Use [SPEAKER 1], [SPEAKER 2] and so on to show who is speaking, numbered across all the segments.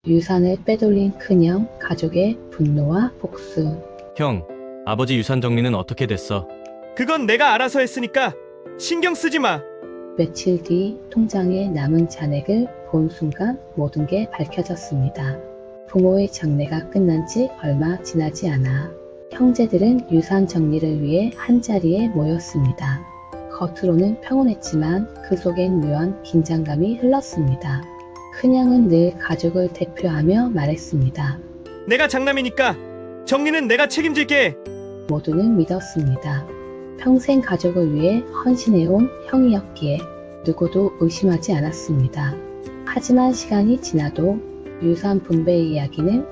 [SPEAKER 1] 유산을 빼돌린 큰형, 가족의 분노와 복수.
[SPEAKER 2] 형, 아버지 유산 정리는 어떻게 됐어?
[SPEAKER 3] 그건 내가 알아서 했으니까 신경 쓰지 마.
[SPEAKER 1] 며칠 뒤 통장에 남은 잔액을 본 순간 모든 게 밝혀졌습니다. 부모의 장례가 끝난 지 얼마 지나지 않아 형제들은 유산 정리를 위해 한자리에 모였습니다. 겉으로는 평온했지만 그 속엔 묘한 긴장감이 흘렀습니다. 큰형은 늘 가족을 대표하며 말했습니다.
[SPEAKER 3] 내가 장남이니까 정리는 내가 책임질게.
[SPEAKER 1] 모두는 믿었습니다. 평생 가족을 위해 헌신해온 형이었기에 누구도 의심하지 않았습니다. 하지만 시간이 지나도 유산 분배의 이야기는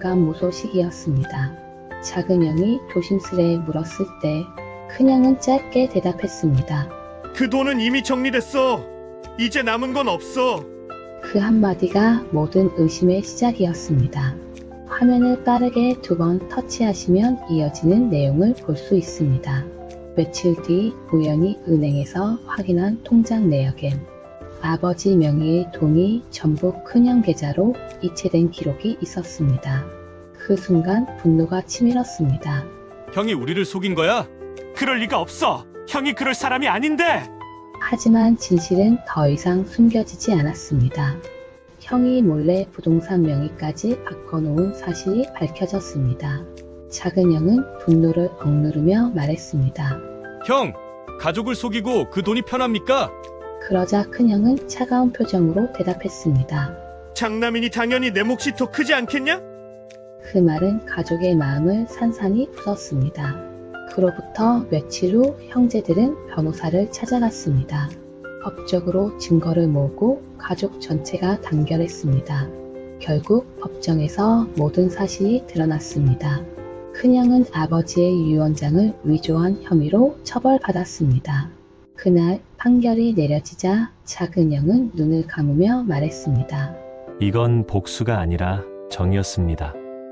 [SPEAKER 1] 감감무소식이었습니다. 작은 형이 조심스레 물었을 때 큰형은 짧게 대답했습니다.
[SPEAKER 3] 그 돈은 이미 정리됐어. 이제 남은 건 없어.
[SPEAKER 1] 그 한마디가 모든 의심의 시작이었습니다. 화면을 빠르게 2번 터치하시면 이어지는 내용을 볼 수 있습니다. 며칠 뒤 우연히 은행에서 확인한 통장 내역엔 아버지 명의의 돈이 전부 큰형 계좌로 이체된 기록이 있었습니다. 그 순간 분노가 치밀었습니다.
[SPEAKER 4] 형이 우리를 속인 거야? 그럴 리가 없어. 형이 그럴 사람이 아닌데.
[SPEAKER 1] 하지만 진실은 더 이상 숨겨지지 않았습니다. 형이 몰래 부동산 명의까지 바꿔놓은 사실이 밝혀졌습니다. 작은 형은 분노를 억누르며 말했습니다.
[SPEAKER 4] 형, 가족을 속이고 그 돈이 편합니까?
[SPEAKER 1] 그러자 큰형은 차가운 표정으로 대답했습니다.
[SPEAKER 3] 장남이니 당연히 내 몫이 더 크지 않겠냐?
[SPEAKER 1] 그 말은 가족의 마음을 산산이 부쉈습니다. 그로부터 며칠 후 형제들은 변호사를 찾아갔습니다. 법적으로 증거를 모으고 가족 전체가 단결했습니다. 결국 법정에서 모든 사실이 드러났습니다. 큰형은 아버지의 유언장을 위조한 혐의로 처벌받았습니다. 그날 판결이 내려지자 작은 형은 눈을 감으며 말했습니다.
[SPEAKER 5] 이건 복수가 아니라 정이었습니다.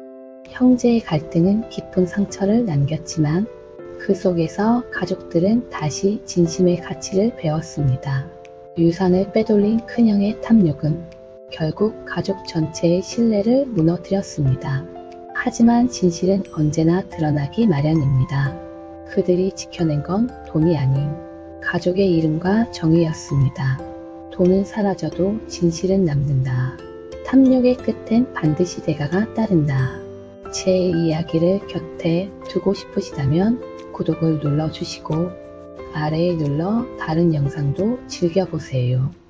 [SPEAKER 1] 형제의 갈등은 깊은 상처를 남겼지만 그 속에서 가족들은 다시 진심의 가치를 배웠습니다. 유산을 빼돌린 큰형의 탐욕은 결국 가족 전체의 신뢰를 무너뜨렸습니다. 하지만 진실은 언제나 드러나기 마련입니다. 그들이 지켜낸 건 돈이 아닌 가족의 이름과 정의였습니다. 돈은 사라져도 진실은 남는다. 탐욕의 끝엔 반드시 대가가 따른다. 제 이야기를 곁에 두고 싶으시다면 구독을 눌러주시고 아래에 눌러 다른 영상도 즐겨보세요.